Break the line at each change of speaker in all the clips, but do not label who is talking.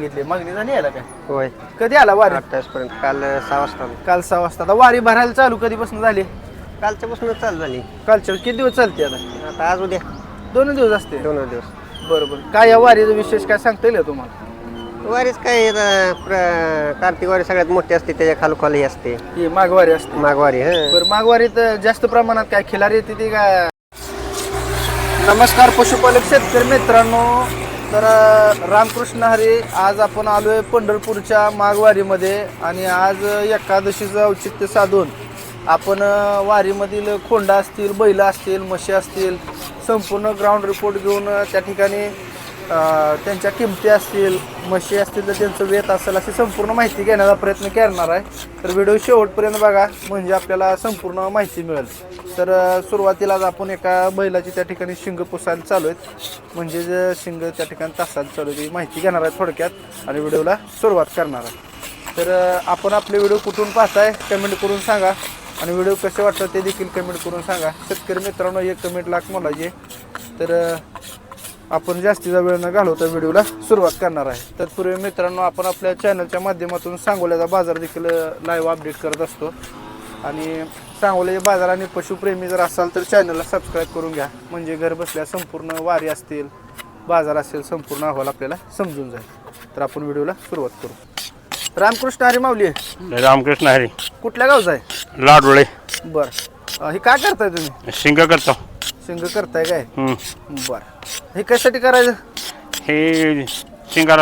मागितली, मागणी झाली याला काय?
होय
कधी आला वारी?
28 पर्यंत. काल 6 वाजता आलो.
काल 6 वाजता. आता वारी भरायला चालू कधीपासून झाली?
कालच्यापासूनच चालू झाली.
कालच्या किती दिवस चालते आता?
आता आज उद्या
2 दिवस असते.
2 दिवस.
बरोबर. काय या वारीचा विशेष काय सांगता येईल तुम्हाला?
वारीच काय कार्तिक वारी सगळ्यात मोठी असते, त्याच्या खालोखाली असते
ही माघवारी असते.
माघवारी.
बरं, माघवारीत जास्त प्रमाणात काय खिलारी येते ती काय? नमस्कार पशुपालक शेतकरी मित्रांनो. तर रामकृष्ण हरी, आज आपण आलोय पंढरपूरच्या माघवारीमध्ये आणि आज एकादशीचं औचित्य साधून आपण वारीमधील खोंडा असतील, बैल असतील, म्हशी असतील, संपूर्ण ग्राउंड रिपोर्ट घेऊन त्या ठिकाणी त्यांच्या किमती असतील, म्हशी असतील तर त्यांचं वेत असेल अशी संपूर्ण माहिती घेण्याचा प्रयत्न करणार आहे. तर व्हिडिओ शेवटपर्यंत बघा म्हणजे आपल्याला संपूर्ण माहिती मिळेल. तर सुरुवातीलाच आपण एका बैलाची त्या ठिकाणी शिंग पुसायला चालू आहेत, म्हणजे शिंग त्या ठिकाणी तासायला चालू आहे, माहिती घेणार आहे थोडक्यात आणि व्हिडिओला सुरुवात करणार आहे. तर आपण आपले व्हिडिओ कुठून पाहताय कमेंट करून सांगा आणि व्हिडिओ कसे वाटतात ते देखील कमेंट करून सांगा. शेतकरी मित्रांनो, एक कमेंट लाख मोलाची. तर आपण जास्तीचा वेळ न घालवता व्हिडिओला सुरुवात करणार आहे. तत्पूर्वी मित्रांनो, आपण आपल्या चॅनलच्या माध्यमातून सांगोल्याचा बाजार देखील लाईव्ह अपडेट करत असतो आणि सांगोल्याचे बाजार आणि पशुप्रेमी जर असाल तर चॅनलला सबस्क्राईब करून घ्या, म्हणजे घर बसल्या संपूर्ण वारी असतील, बाजार असेल, संपूर्ण अहवाल आपल्याला समजून जाईल. तर आपण व्हिडिओला सुरुवात करू. रामकृष्ण हरी माऊली.
रामकृष्ण हरी.
कुठल्या गावचा आहे?
लाडोळे.
बरं, हे काय करताय तुम्ही?
शिंग करतो.
शिंग करताय काय? बरं, हे कशासाठी करायचं?
हे शिंगाला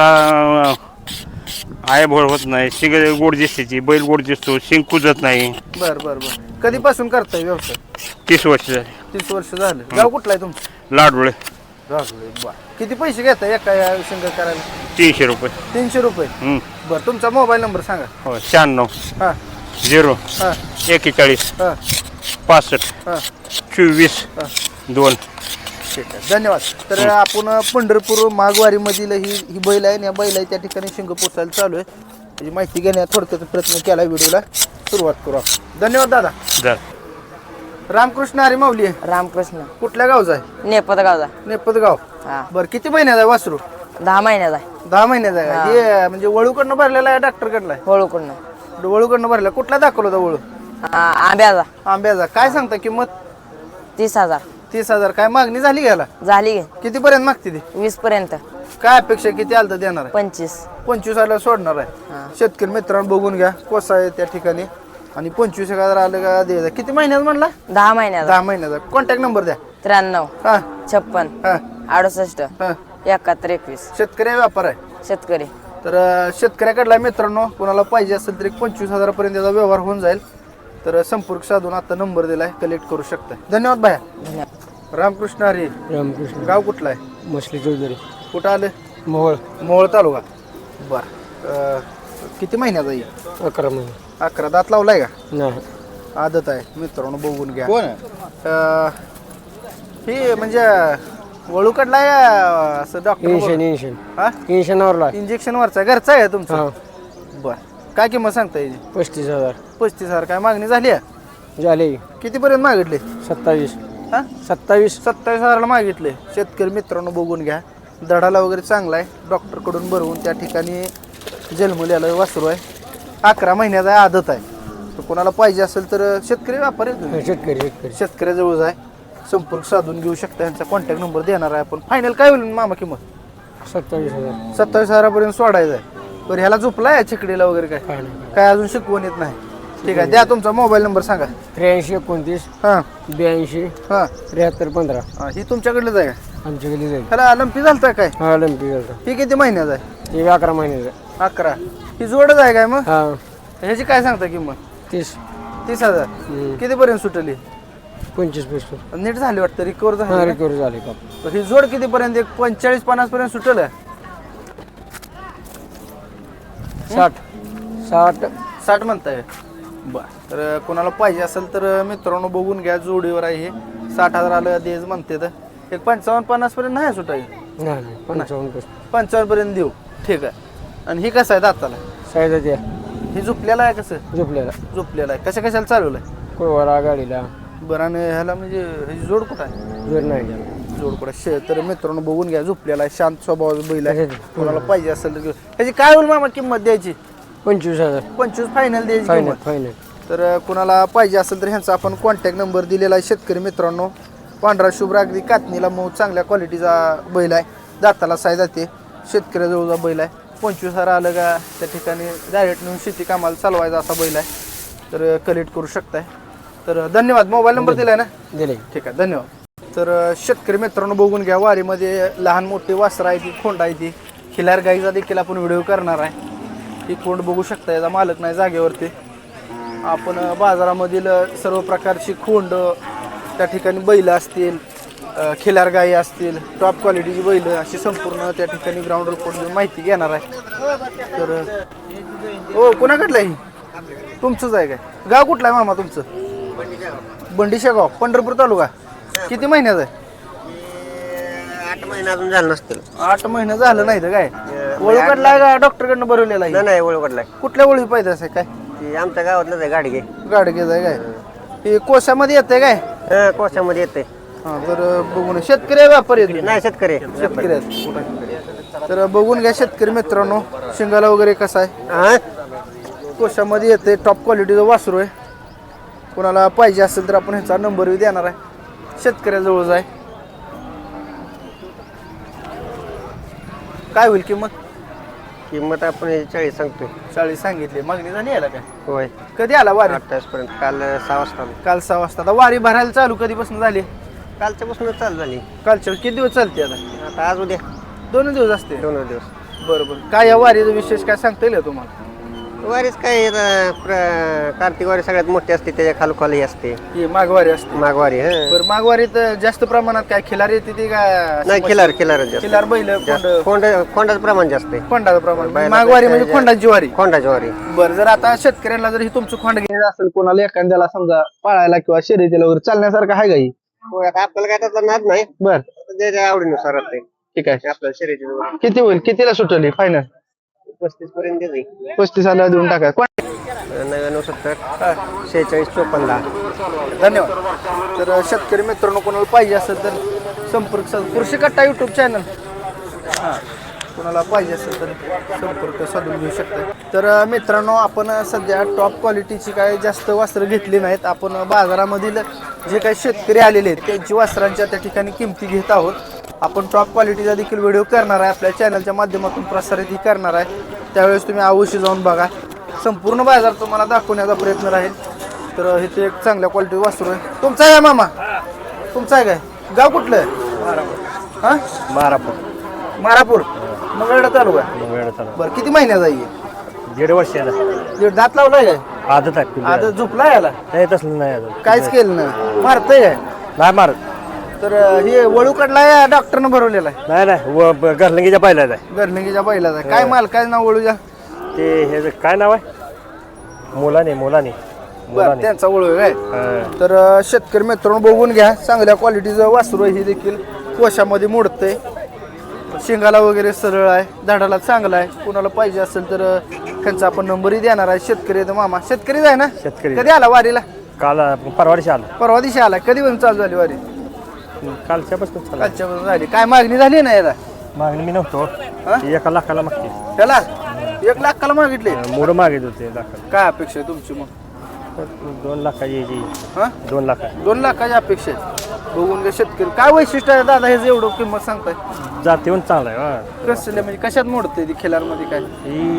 आय भोळ होत नाही, शिंग गोड दिसते, बैल गोड दिसतो, शिंग कुजत नाही.
बरं बरं बरं. कधीपासून करताय व्यवसाय?
30 वर्ष झाली.
30 वर्ष झालं. गाव कुठलं आहे तुमचं?
लाडोळे.
राजूळे. बरं, किती पैसे घेताय एका या शिंग करायला?
300 रुपये.
300 रुपये. बरं, तुमचा मोबाईल नंबर सांगा.
हो, 96
हां
0
हां
41
हां
65
हां
24
हां
2.
ठीक आहे, धन्यवाद. तर आपण पंढरपूर माघवारीमधील ही बैल आहे, या बैल आहे त्या ठिकाणी शिंग पोचायला चालू आहे. त्याची माहिती घेण्यात थोडक्यात प्रयत्न केला. व्हिडिओला सुरुवात करू आपण. धन्यवाद दादा.
जर
रामकृष्ण हरी माऊली.
रामकृष्ण.
कुठल्या गावचा आहे?
नेपद गावचा.
नेपद गाव.
हा.
बरं, किती महिन्याचा आहे वासरू?
10 महिन्याचा आहे.
10 महिन्याचा आहे. हे म्हणजे वळूकडनं भरलेला आहे, डॉक्टरकडला आहे?
होळूकडनं.
वळूकडनं भरला. कुठला दाखवला होता वळू?
आंब्याचा.
आंब्याचा. काय सांगता किंमत?
30,000
30,000. काय मागणी झाली घ्यायला?
झाली.
किती पर्यंत मागते ती?
20 पर्यंत.
काय अपेक्षा किती आलं तर देणार आहे?
25.
25,000 सोडणार आहे. शेतकरी मित्रांनो बघून घ्या कोसा आहे त्या ठिकाणी आणि 25,000 आलं का द्यायचं. किती महिन्यात म्हणला?
10 महिन्याचा.
10 महिन्याचा. कॉन्टॅक्ट नंबर द्या.
93
हा
56
हा
68
हा.
71 21.
शेतकरी व्यापार आहे.
शेतकरी.
तर शेतकऱ्याकडला मित्रांनो कोणाला पाहिजे असेल तर 25,000 पर्यंत त्याचा व्यवहार होऊन जाईल. तर संपर्क साधून आता नंबर दिलाय, कलेक्ट करू शकता. धन्यवाद भाया.
धन्यवाद.
रामकृष्ण हरी.
रामकृष्ण.
गाव कुठलं आहे?
मछली चौधरी.
कुठं आलं?
मोहोळ.
मोहोळ तालुका. बरं, किती महिन्याचा येईल?
11 महिने.
11. दात लावलाय का?
नाही.
आदत आहे मित्रांनो, बघून घ्या. ही म्हणजे वळू कडला असं डॉक्टर?
इंजेक्शन
हा,
इंजेक्शनवरला.
इंजेक्शन वरचा घरचा आहे तुमचा?
हा.
बरं, काय किंमत सांगता याची?
35,000
35,000. काय मागणी झाली आहे?
झाले.
किती पर्यंत मागितले?
27.
हा 27,000ला मागितले. शेतकरी मित्रांनो बघून घ्या. दडाला वगैरे चांगला आहे, डॉक्टरकडून भरवून त्या ठिकाणी जन्मलेलं वासरू आहे. 11 महिन्याचा आहे, आदत आहे. तर कोणाला पाहिजे असेल तर शेतकरी व्यापारी आहे तुम्ही?
शेतकरी.
शेतकऱ्याजवळ आहे, संपर्क साधून घेऊ शकता. यांचा कॉन्टॅक्ट नंबर देणार आहे आपण. फायनल काय होईल मामा किंमत?
27,000.
27,000 सोडायचं आहे. बरं, ह्याला झोपलाय चिकडीला वगैरे काय? काय अजून शिकवण येत नाही? ठीक आहे, द्या तुमचा मोबाईल नंबर सांगा.
83 29
हां
82
हां
73 15.
ही तुमच्याकडलीच आहे का?
आमच्याकडे जाईल.
ह्याला लंपी झालता काय?
हा लंपी झाला.
ही किती महिन्याचा आहे?
ते 11 महिन्याचा.
11. ही जोडच आहे काय मग?
हा
ह्याची काय सांगता किंमत?
30.
30,000. कितीपर्यंत सुटली?
25.
नीट झाली वाटतं, रिकवर
हा
झाली.
रिकवर झाले का?
ही जोड कितीपर्यंत? 45-50 पर्यंत सुटल? 60 म्हणताय? बरं, तर कोणाला पाहिजे असेल तर मित्रांनो बघून घ्या. जोडीवर आहे हे. 60,000 आलं देज म्हणते तर एक 55-50 पर्यंत नाही सुटायचं.
नाही 55.
55 पर्यंत देऊ. ठीक आहे. आणि ही कसं आहे दाताला?
साईज द्या.
ही झोपलेला आहे? कसं
झोपलेला.
झोपलेला आहे? कशा कशाला चालवलं आहे?
कोवारा गाडीला.
बरं, आणि ह्याला म्हणजे ह्याची जोड कुठं आहे?
जोर नाही.
जोडकडे तर मित्रांनो बघून घ्या, झोपलेला आहे, शांत स्वभावाचा बैल आहे. कोणाला पाहिजे असेल तर ह्याची काय होईल मामा किंमत द्यायची?
25,000
25 फायनल द्यायची
फायनल
किंमत.
फायनल.
तर कुणाला पाहिजे असेल तर ह्यांचा आपण कॉन्टॅक्ट नंबर दिलेला आहे. शेतकरी मित्रांनो, पांढरा शुभ्र अगदी कातणीला मऊ चांगल्या क्वालिटीचा बैल आहे. दाताला साय जाते, शेतकऱ्याजवळचा बैल आहे. 25,000 आलं का त्या ठिकाणी डायरेक्ट नेऊन शेती कामाला चालवायचा असा बैल आहे. तर कलेक्ट करू शकताय. तर धन्यवाद. मोबाईल नंबर दिलाय ना?
दिले.
ठीक आहे, धन्यवाद. तर शेतकरी मित्रांनो बघून घ्या, वारीमध्ये लहान मोठी वासरं आहे ती, खोंड आहे ती, खिलार गाईचा देखील आपण व्हिडिओ करणार आहे. ही कोंड बघू शकता, याचा मालक नाही जागेवरती. आपण बाजारामधील सर्व प्रकारची खोंड, त्या ठिकाणी बैल असतील, खिलार गाई असतील, टॉप क्वालिटीची बैल, अशी संपूर्ण त्या ठिकाणी ग्राउंड रिपोर्ट माहिती घेणार आहे. तर हो, कोणाकडलं आहे? तुमचंच आहे काय? गाव कुठलं आहे मामा तुमचं? बंडीशा गाव, पंढरपूर तालुका. किती महिन्याचं आहे?
8 महिने अजून झालं नसतील.
8 महिने झालं नाही तर काय? ओळखडला आहे का डॉक्टरकडनं भरवलेला आहे?
नाही ओळखलाय.
कुठल्या ओळखी पाहिजे असं काय?
ती आमच्या गावातलंच आहे गाडगे.
गाडगेच आहे काय? हे कोशामध्ये येते काय?
कोशामध्ये येते.
हा, तर बघून शेतकरी आहे, व्यापारी आहे?
नाही शेतकरी.
शेतकरी आहेत. तर बघून घ्या शेतकरी मित्रांनो, शिंगाला वगैरे कसा आहे? कोशामध्ये येते, टॉप क्वालिटीचं वासरू आहे. कोणाला पाहिजे असेल तर आपण ह्याचा नंबरही देणार आहे. शेतकऱ्याजवळच आहे. काय होईल किंमत?
किंमत आपण 40 सांगतोय.
40 सांगितली. मागणी झाली याला काय?
होय.
कधी आला वारी?
28 पर्यंत. काल 6 वाजता आलो.
काल 6 वाजता. आता वारी भरायला चालू कधीपासून झाली?
कालच्यापासूनच चालू झाली.
कालच्या किती दिवस चालते आता?
आता आज उद्या
2 दिवस असते.
2 दिवस.
बरोबर. काय या वारीचा विशेष काय सांगता येईल तुम्हाला?
वारीच काय कार्तिक वारी सगळ्यात मोठी असते, त्याच्या खालोखाली असते
ही माघवारी असते.
माघवारी.
बरं, माघवारीत जास्त प्रमाणात काय खिलार येते ती का?
नाही खिलार जास्त.
खिलार बैल,
खोंडाचं प्रमाण जास्त आहे.
खोंडाचं प्रमाण.
बैलापेक्षा
माघवारी म्हणजे खोंडाची वारी.
खोंडाची वारी.
बरं, जर आता शेतकऱ्यांना जर ही तुमचं खोंड घ्यायचं असेल, कोणाला एखाद्याला समजा पाळायला किंवा शर्यतीला वगैरे चालण्यासारखं आहे का ही?
होय, आता आपल्याला काय त्यातला नाद नाही.
बर,
त्याच्या आवडीनुसार असते.
ठीक आहे.
आपल्याला शर्यती
किती होईल? कितीला सुटली फायनल?
35 पर्यंत देते.
35 आला देऊन टाका.
99 70 46 54.
धन्यवाद. तर शेतकरी मित्रांनो, कोणाला पाहिजे असेल तर संपर्क कृषी कट्टा यूट्यूब चॅनल, हां, कोणाला पाहिजे असेल तर संपर्क साधून घेऊ शकता. तर मित्रांनो, आपण सध्या टॉप क्वालिटीची काय जास्त वस्त्र घेतली नाहीत. आपण बाजारामधील जे काही शेतकरी आलेले आहेत त्यांची वस्त्रांच्या त्या ठिकाणी किमती घेत आहोत. आपण टॉप क्वालिटीचा देखील व्हिडिओ करणार आहे, आपल्या चॅनलच्या माध्यमातून प्रसारितही करणार आहे. त्यावेळेस तुम्ही अवश्य जाऊन बघा. संपूर्ण बाजार तुम्हाला दाखवण्याचा प्रयत्न राहील. तर इथे एक चांगल्या क्वालिटी वासरू आहे. तुमचा आहे मामा? तुमचा आहे काय? गाव कुठलं आहे? हां, मारापूर. मंगळवेढा तालुका. बरं, किती महिन्याचा आहे?
1.5 वर्षाला.
दीड दात लावलाय काय?
आदत आहे.
आता झोपला याला?
नाही तसलं नाही अजून.
काहीच केलं नाही. मारतंय काय?
नाही मारत.
तर हे वळू कडला डॉक्टरनं भरवलेला आहे?
नाही घरलंगीच्या पाहिलाच आहे.
गर्लिंगीच्या बैलाचा. काय माल, काय नाव वळूच्या?
ते हे काय नाव आहे? मोलाने.
बरं, त्यांचा वळू आहे काय? तर शेतकरी मित्रांनो बघून घ्या, चांगल्या क्वालिटीचं वासरू आहे. हे देखील कोशामध्ये मोडतंय, शेंगाला वगैरे सरळ आहे, झाडाला चांगला आहे. कोणाला पाहिजे असेल तर त्यांचा आपण नंबरही देणार आहे. शेतकरी आहे मामा. शेतकरीच आहे ना?
शेतकरी.
कधी आला वारीला?
काल परवा दिवशी आला.
परवा दिवशी आला. कधी पण चालू झाली वारी?
कालच्यापासून चालू.
कालच्या झाली. काय मागणी झाली ना याला?
मागणी मी नव्हतो.
हा?
1 लाखाला मागते.
त्याला 1 लाखाला मागितले?
मोड मागित होते लाखाला.
काय अपेक्षा आहे तुमची मग?
2 लाखाची याची.
हा,
2 लाख.
2 लाखाची अपेक्षा आहे. बघून घ्या शेतकरी. काय वैशिष्ट्य आहे दादा हे एवढं किंमत सांगताय?
जातीहून चांगला आहे.
कसं म्हणजे कशात मोडते ती खिलारमध्ये काय?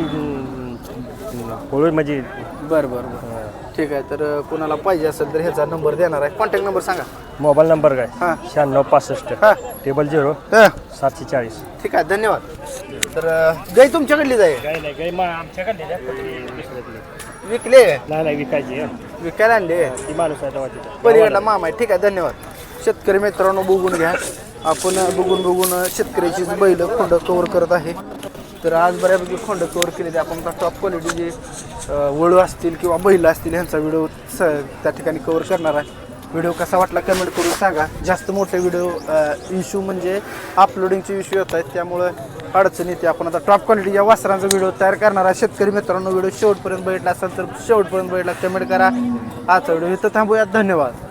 होळी म्हणजे.
बरं, ठीक आहे. तर कोणाला पाहिजे असेल तर ह्याचा नंबर देणार आहे. कॉन्टॅक्ट नंबर सांगा.
मोबाईल नंबर काय?
हां,
96 65
हां,
00
हां.
740.
ठीक आहे, धन्यवाद. तर गाई तुमच्याकडली जाईल?
काही नाही काही आमच्याकडे
विकले?
नाही विकायची.
विकायला आणले?
ती माणूस आहे तेव्हा तिथं.
पलीकडला मामा आहे. ठीक आहे, धन्यवाद. शेतकरी मित्रांनो बघून घ्या. आपण बघून शेतकऱ्याचीच बैल खोंड कव्हर करत आहे. तर आज बऱ्यापैकी खोंड कव्हर केले ते आपण टॉप क्वालिटीचे वळू असतील किंवा बैल असतील ह्यांचा व्हिडिओ त्या ठिकाणी कव्हर करणार आहे. व्हिडिओ कसा वाटला कमेंट करून सांगा. जास्त मोठे व्हिडिओ इश्यू म्हणजे अपलोडिंगचे इश्यू येत आहेत, त्यामुळे अडचण येते. आपण आता टॉप क्वालिटीच्या वासरांचा व्हिडिओ तयार करणार आहे. शेतकरी मित्रांनो व्हिडिओ शेवटपर्यंत बघितला असेल तर शेवटपर्यंत बघितला कमेंट करा. आजचा व्हिडिओ इथं थांबूयात. धन्यवाद.